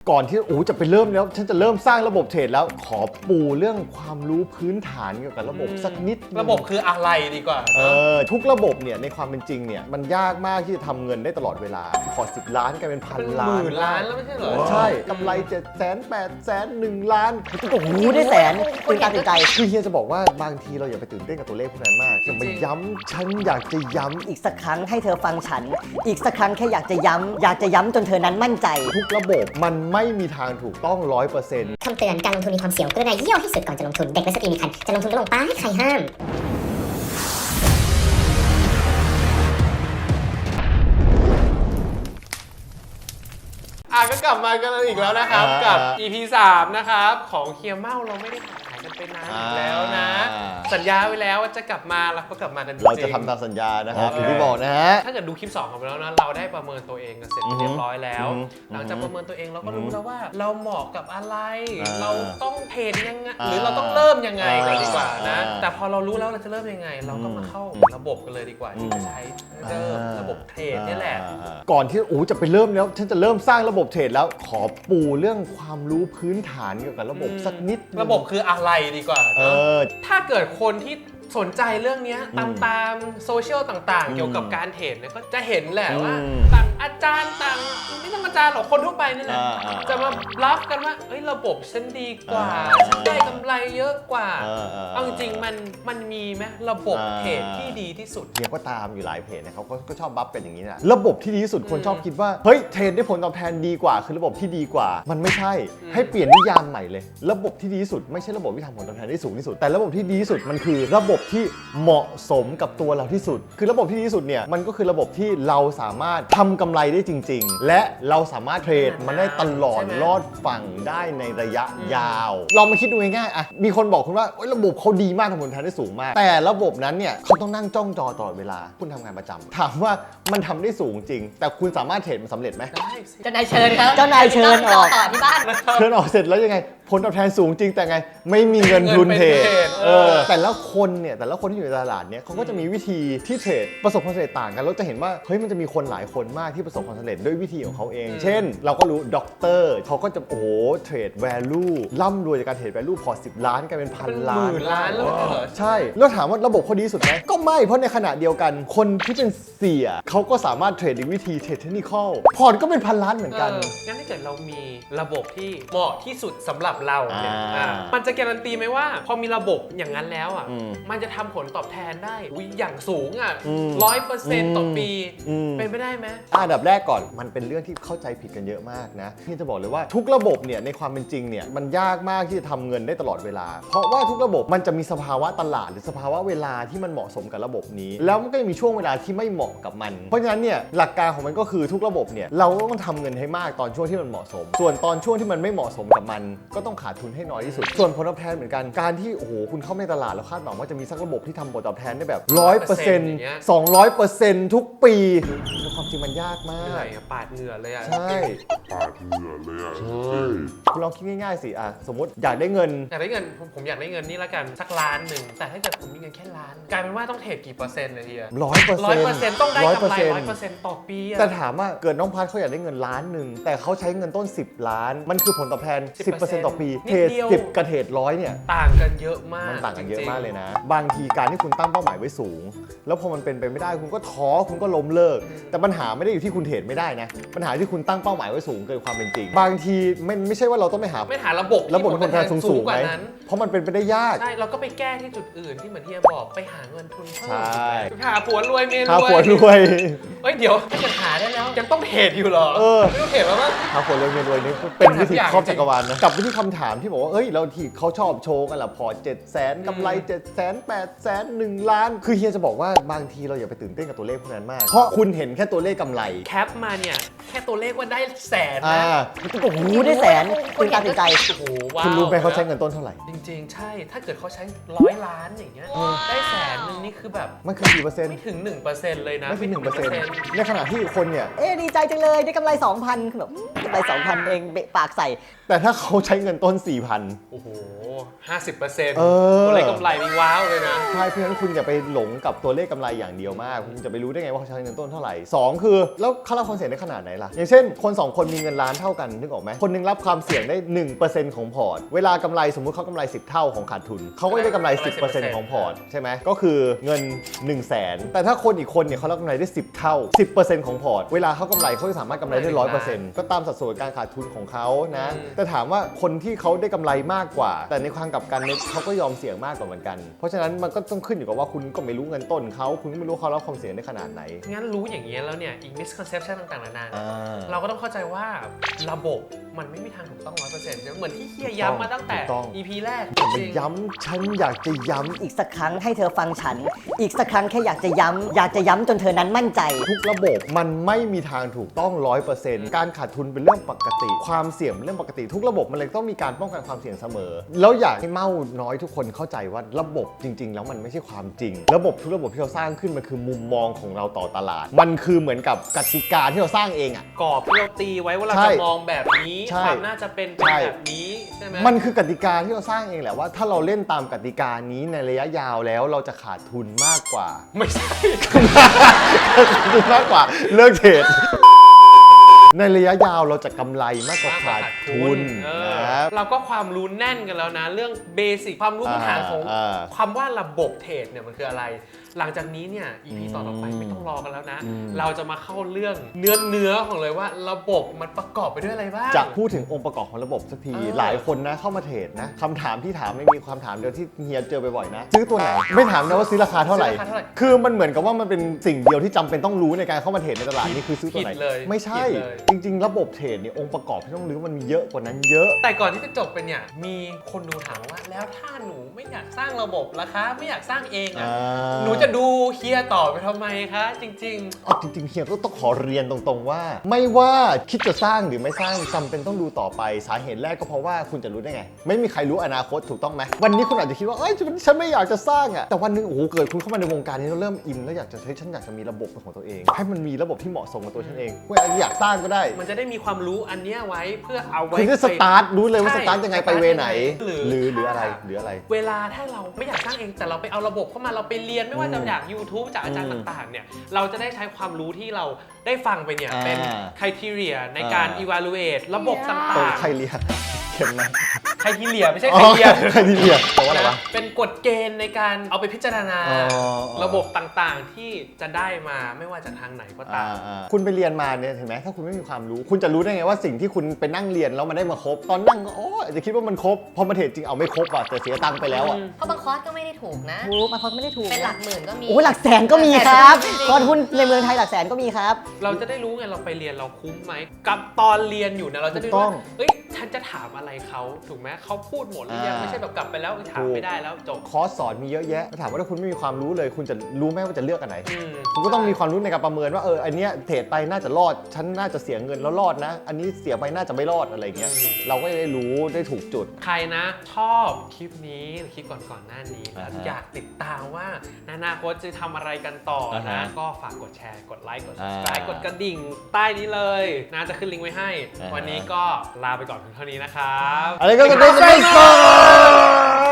ก่อนที่จะไปเริ่มแล้วฉันจะเริ่มสร้างระบบเทรดแล้วขอปูเรื่องความรู้พื้นฐานเกี่ยวกับระบบสักนิดระบบคืออะไรดีกว่าทุกระบบเนี่ยในความเป็นจริงเนี่ยมันยากมากที่จะทำเงินได้ตลอดเวลาพอ10 ล้านกลายเป็น1,000 ล้านหมื่นล้านแล้วไม่ใช่เหรอใช่กำไร700,000 800,000 1 ล้านโอ้โหได้แสนตื่นตาตื่นใจคือเฮียจะบอกว่าบางทีเราอย่าไปตื่นเต้นกับตัวเลขพวกนั้นมากจะไปย้ำฉันอยากจะย้ำอีกสักครั้งให้เธอฟังฉันอีกสักครั้งแค่อยากจะย้ำจนเธอนั้นมั่นใจทุกระบบมันไม่มีทางถูกต้อง 100% คำเตือนการลงทุนมีความเสี่ยงกรุณาเยี่ยวให้สุดก่อนจะลงทุนเด็กและสตรีมีครรภ์จะลงทุนก็ลงไปใครห้ามก็กลับมากันอีกแล้วนะครับกับ EP 3 นะครับของเฮียเม่าเราไม่ได้หายกันไปนานอีกแล้วนะสัญญาไว้แล้วว่าจะกลับมาแล้วก็กลับมากันจริงเราจะทำตามสัญญานะครับอย่างที่บอกนะฮะถ้าเกิดดูคลิป2ของเราแล้วนะเราได้ประเมินตัวเองกันเสร็จเรียบร้อยแล้วหลังจากประเมินตัวเองเราก็รู้แล้วว่าเราเหมาะกับอะไรเราต้องเทรดยังไงหรือเราต้องเริ่มยังไงกันดีกว่านะแต่พอเรารู้แล้วเราจะเริ่มยังไงเราก็มาเข้าระบบกันเลยดีกว่าที่จะใช้เริ่มระบบเทรดนี่แหละก่อนที่จะไปเริ่มแล้วฉันจะเริ่มสร้างระบบเทรดแล้วขอปูเรื่องความรู้พื้นฐานเกี่ยวกับระบบสักนิดระบบคืออะไรดีกว่าถ้าเกิดคนที่สนใจเรื่องนี้ตามโซเชียลต่างๆเกี่ยวกับการเทรดเนี่ยก็จะเห็นแหละว่าต่างอาจารย์ต่างไม่ต้องอาจารย์หรอกคนทั่วไปนี่แหละจะมาบลัฟกันว่าระบบฉันดีกว่าฉันได้กำไรเยอะกว่าเอาจริงๆมันมีไหมระบบเทรดที่ดีที่สุดเฮียก็ตามอยู่หลายเพจนะเขาก็ชอบบัฟกันอย่างนี้นะระบบที่ดีที่สุดคนชอบคิดว่าเฮ้ยเทรดได้ผลตอบแทนดีกว่าคือระบบที่ดีกว่ามันไม่ใช่ให้เปลี่ยนนิยามใหม่เลยระบบที่ดีที่สุดไม่ใช่ระบบที่ทำผลตอบแทนได้สูงที่สุดแต่ระบบที่ดีที่สุดมันคือระบบที่เหมาะสมกับตัวเราที่สุดคือระบบที่ดีที่สุดเนี่ยมันก็คือระบบที่เราสามารถทำกำไรได้จริงๆและเราสามารถเทรดมันได้ตลอดรอดฝั่งได้ในระยะยาวลองมาคิดดูง่ายๆอ่ะมีคนบอกคุณว่าระบบเขาดีมากทำผลตอบแทนได้สูงมากแต่ระบบนั้นเนี่ยเขาต้องนั่งจ้องจอตลอดเวลาคุณทำงานประจำถามว่ามันทำได้สูงจริงแต่คุณสามารถเทรดมันสำเร็จไหมได้เจ้านายเชิญครับเจ้านายเชิญออกต่อที่บ้านเชิญออกเสร็จแล้วยังไงผลตอบแทนสูงจริงแต่ไงไม่มีเงินทุนเทรดแต่ละคนที่อยู่ในตลาดเนี่ยเขาก็จะมีวิธีที่เทรดประสบความสำเร็จต่างกันเราจะเห็นว่าเฮ้ยมันจะมีคนหลายคนมากที่ประสบความสำเร็จด้วยวิธีของเขาเองเช่นเราก็รู้ด็อกเตอร์เขาก็จะเทรด value ร่ำรวยจากการเทรด value พอ10 ล้านกลายเป็น1,000 ล้านหมื่นล้านแล้วใช่แล้วถามว่าระบบเขาดีสุดไหมก็ไม่เพราะในขณะเดียวกันคนที่เป็นเสียเขาก็สามารถเทรดด้วยวิธีเทรดเทคนิคอลพอร์ตก็เป็น1,000 ล้านเหมือนกันงั้นถ้าเกิดเรามีระบบที่เหมาะที่สุดสำหรับเราเนี่ยมันจะการันตีไหมว่าพอมีระบบอย่างนั้นแล้วอ่ะมันจะทำผลตอบแทนได้อย่างสูงอ่ะ100%ต่อปีเป็นไปได้ไหมอันดับแรกก่อนมันเป็นเรื่องที่เข้าใจผิดกันเยอะมากนะที่จะบอกเลยว่าทุกระบบเนี่ยในความเป็นจริงเนี่ยมันยากมากที่จะทำเงินได้ตลอดเวลาเพราะว่าทุกระบบมันจะมีสภาวะตลาดหรือสภาวะเวลาที่มันเหมาะสมกับระบบนี้แล้วมันก็จะมีช่วงเวลาที่ไม่เหมาะกับมันเพราะฉะนั้นเนี่ยหลักการของมันก็คือทุกระบบเนี่ยเราต้องทำเงินให้มากตอนช่วงที่มันเหมาะสมส่วนตอนช่วงที่มันไม่เหมาะสมกับมันก็ต้องขาดทุนให้น้อยที่สุดส่วนผลตอบแทนเหมือนกันการที่คุณเข้าในตลาดแล้วคาดหวังว่าจะมีสักระบบที่ทำผลตอบแทนได้แบบ 100% 200% ทุกปีในความจริงมันยากมากปาดเหงื่อเลยอ่ะใช่ปาดเหงื่อเลยอ่ะใช่คุณลองคิดง่ายๆสิสมมติอยากได้เงินผมอยากได้เงินนี่ละกันสัก1 ล้านแต่ถ้าเกิดผมมีเงินแค่1 ล้านกลายเป็นว่าต้องเทรดกี่เปอร์เซ็นต์เลยที100%ต้องได้กำไร 100% ต่อปีแต่ถามว่าเกิดน้องพัดเขาอยากได้เงิน1 ล้านแต่เขาใช้เงินต้น10 ล้านมันคือผลตอบแทน 10% ต่อปีเทรด10กับเทรด100เนี่ยต่างกันเยอะมากมันต่างกันเยอะมากเลยนะบางทีการที่คุณตั้งเป้าหมายไว้สูงแล้วพอมันเป็นไปไม่ได้คุณก็ท้อคุณก็ล้มเลิกแต่ปัญหาไม่ได้อยู่ที่คุณเทรดไม่ได้นะปัญหาที่คุณตั้งเป้าหมายไว้สูงเกินความเป็นจริงบางทีไม่ใช่ว่าเราต้องไปหาระบบผลตอบแทนสูงๆไหมเพราะมันเป็นไปได้ยากใช่เราก็ไปแก้ที่จุดอื่นที่เหมือนที่บอกไปหาเงินทุนเพิ่มหาผัวรวยเมียรวยเดี๋ยวถ้าเกิดหาได้แล้วยังต้องเทรดอยู่หรอไม่ต้องเทรดแล้วมั้งหาผัวรวยเมียรวยนี่เป็นวิธีครอบจักรวาลนะกลับไปที่คำถามที่บอกว่าเราที่เขาชอบโชว์กันล่ะพอ700,000กำไร700,000 800,000 1 ล้านคือเฮียจะบอกว่าบางทีเราอย่าไปตื่นเต้นกับตัวเลขพวกนั้นมากเพราะคุณเห็นแค่ตัวเลขกำไรแคปมาเนี่ยแค่ตัวเลขว่าได้แสนนะโอ้โหได้แสนตื่นตาตื่นใจโอ้โหว้าวคุณรู้ไหมเขาใช้เงินต้นเท่าไหร่จริงๆใช่ถ้าเกิดเขาใช้100 ล้านอย่างเงี้ยได้แสนนึงนี่คือแบบมันคือกี่เปอร์เซ็นต์ไม่ถึง 1% เลยนะไม่ถึง 1% ในขณะที่คนเนี่ยดีใจจังเลยได้กำไร 2,000 คือแบบกำไร 2,000 เองเบะปากใส่แต่ถ้าเขาใช้เงินต้น 4,000 โอ้โห 50%ตัวเลขกำไรนี่ว้าวเลยนะใช่เพราะฉะนั้นคุณอย่าไปหลงกับตัวเลขกำไรอย่างเดียวมากคุณจะไปรู้ได้ไงว่าเขาใช้เงินต้นเท่าไหร่2คือแล้วเขารับความเสี่ยงได้ขนาดไหนล่ะอย่างเช่นคน2คนมีเงินล้านเท่ากันนึกออกไหมคนนึงรับความเสี่ยงได้ 1% ของพอร์ตเวลากำไรสมมุติเขากำไร10 เท่าของขาดทุนเขาก็ได้กำไร 10% ของพอร์ตใช่ไหมก็คือเงิน 100,000 แต่ถ้าคนอีกคนเนี่ยเขาได้กำไรได้10 เท่า 10% ของพอร์ตเวลาเขากำไรเขาจะสามารถกำไรได้ 100% ก็ตามสัดส่วนการขาดทุนของเขานะแต่ถามว่าคนที่เขาได้กำไรมากกว่าแต่ในความกลับกันเนี่ยเขาก็ยอมเสี่ยงมากกว่าเหมือนกันเพราะฉะนั้นมันก็ต้องขึ้นอยู่กับว่าคุณก็ไม่รู้เงินต้นเขาคุณก็ไม่รู้เขารับความเสี่ยงได้ขนาดไหนงั้นรู้อย่างนี้แล้วเนี่ยอีก misconception ต่างๆนานาเราก็ต้องเข้าใจว่าระบบมันไม่มีทางถูกต้อง 100% เหมือนที่เฮียย้ำมาตั้งแต่ EP แรกจริงย้ำฉันอยากจะย้ำอีกสักครั้งให้เธอฟังฉันอีกสักครั้งแค่อยากจะย้ำจนเธอนั้นมั่นใจทุกระบบมันไม่มีทางถูกต้อง 100% การขาดทุนเป็นเรื่องปกติความเสี่ยงเป็นเรื่องปกติทุกระบบมันเลยต้องมีการป้องกันความเสี่ยงเสมอแล้วอยากให้เม่าน้อยทุกคนเข้าใจว่าระบบจริงๆแล้วมันไม่ใช่ความจริงระบบทุกระบบที่เราสร้างขึ้นมันคือมุมมองของเราต่อตลาดมันคือเหมือนกับกติกาที่เราสร้างเองกรอบที่เราตีไว้ว่าเราจะมองแบบนี้ความน่าจะเป็นแบบนี้ใช่ไหมมันคือกติกาที่เราสร้างเองแหละว่าถ้าเราเล่นตามกติกานี้ในระยะยาวแล้วเราจะขาดทุนมากกว่าไม่ใช่ขาดทุนมากกว่าเลิกเทรดในระยะยาวเราจะกำไรมากกว่าขาดทุนนะเราก็ความรู้แน่นกันแล้วนะเรื่องเบสิกความรู้พื้นฐานของคำว่าระบบเทรดเนี่ยมันคืออะไรหลังจากนี้เนี่ย EP ต่อไปไม่ต้องรอกันแล้วนะเราจะมาเข้าเรื่องเนื้อของเลยว่าระบบมันประกอบไปด้วยอะไรบ้างจะพูดถึงองค์ประกอบของระบบสักทีหลายคนนะเข้ามาเทรดนะคำถามที่ถามไม่มีความถามเดียวที่เฮียเจอบ่อยๆนะซื้อตัวไหนไม่ถามนะว่าซื้อราคาเท่าไหร่คือมันเหมือนกับว่ามันเป็นสิ่งเดียวที่จำเป็นต้องรู้ในการเข้ามาเทรดในตลาดนี่คือซื้อตัวไหนไม่ใช่จริงๆระบบเทรดเนี่ยองค์ประกอบที่ต้องรู้มันมีเยอะกว่านั้นเยอะแต่ก่อนที่จะจบเป็นเนี่ยมีคนดูถามว่าแล้วถ้าหนูไม่อยากสร้างระบบราคาไม่อยากสร้างเองหนูจะดูเฮียต่อไปทำไมคะจริงๆจริงๆเฮียก็ต้องขอเรียนตรงๆว่าไม่ว่าคิดจะสร้างหรือไม่สร้างจำเป็นต้องดูต่อไปสาเหตุแรกก็เพราะว่าคุณจะรู้ได้ไงไม่มีใครรู้อนาคตถูกต้องไหมวันนี้คุณอาจจะคิดว่าฉันไม่อยากจะสร้างแต่วันนึงโอ้โหเกิดคุณเข้ามาในวงการนี้แล้วเริ่มอินแล้วอยากจะฉันอยากจะมีระบบเป็นของตัวเองให้มันมีระบบที่เหมาะสมกับตัวฉันเองคุณอยากสร้างก็ได้มันจะได้มีความรู้อันนี้ไว้เพื่อเอาไว้คุณจะสตาร์ทรู้เลยว่าสตาร์ทยังไงไปเวไหนหรืออะไรเวลาถ้าเราไม่อยากสร้างเองแต่เราไปเอาระบบเข้ามาเราไปเรียนไม่ว่าจะจาก YouTube จากอาจารย์ต่างๆเนี่ยเราจะได้ใช้ความรู้ที่เราได้ฟังไปเนี่ยเป็น criteria ในการ evaluate ระบบต่างๆใครเรียนเข้มไหมใครที่เหลียไม่ใช่ใครเรียใครที่เรียแปลว่าอะไรวะเป็นกฎเกณฑ์ในการเอาไปพิจารณาระบบต่างๆที่จะได้มาไม่ว่าจากทางไหนก็ตามคุณไปเรียนมาเนี่ยเห็นไหมถ้าคุณไม่มีความรู้คุณจะรู้ได้ไงว่าสิ่งที่คุณไปนั่งเรียนแล้วมันได้มาครบตอนนั่งก็จะคิดว่ามันครบพอมาเทรดจริงเอาไม่ครบอ่ะแต่เสียตังค์ไปแล้วอ่ะเพราะบางคอร์สก็ไม่ได้ถูกนะบางคอร์สไม่ได้ถูกเป็นหลักหมื่นก็มีหลักแสนก็มีครับคอร์สหุ้นในเมืองไทยหลักแสนก็มีครับเราจะได้รู้ไงเราไปเรียนเราคุ้มไหมกับตอนเรียนอยู่นะเราจะได้รู้ว่าฉันจะถามอะไรเขาถูกไหมเขาพูดหมดหรือยังไม่ใช่แบบกลับไปแล้วถามไม่ได้แล้วจบคอร์สสอนมีเยอะแยะถามว่าถ้าคุณไม่มีความรู้เลยคุณจะรู้ไหมว่าจะเลือกอันไหนคุณก็ต้องมีความรู้ในการประเมินว่าอันเนี้ยเทรดไปน่าจะรอดฉันน่าจะเสียเงินแล้วรอดนะอันนี้เสียไปน่าจะไม่รอดอะไรเงี้ยเราก็ได้รู้ได้ถูกจุดใครนะชอบคลิปนี้คลิปก่อนหน้านี้อยากติดตามว่าอนาคตจะทำอะไรกันต่อนะก็ฝากกดแชร์กดไลค์กด subscribe กดกระดิ่งใต้นี้เลยน่าจะขึ้นลิงก์ไว้ให้วันนี้ก็ลาไปก่อนเพียงเท่านี้นะครับอะไรก็ได้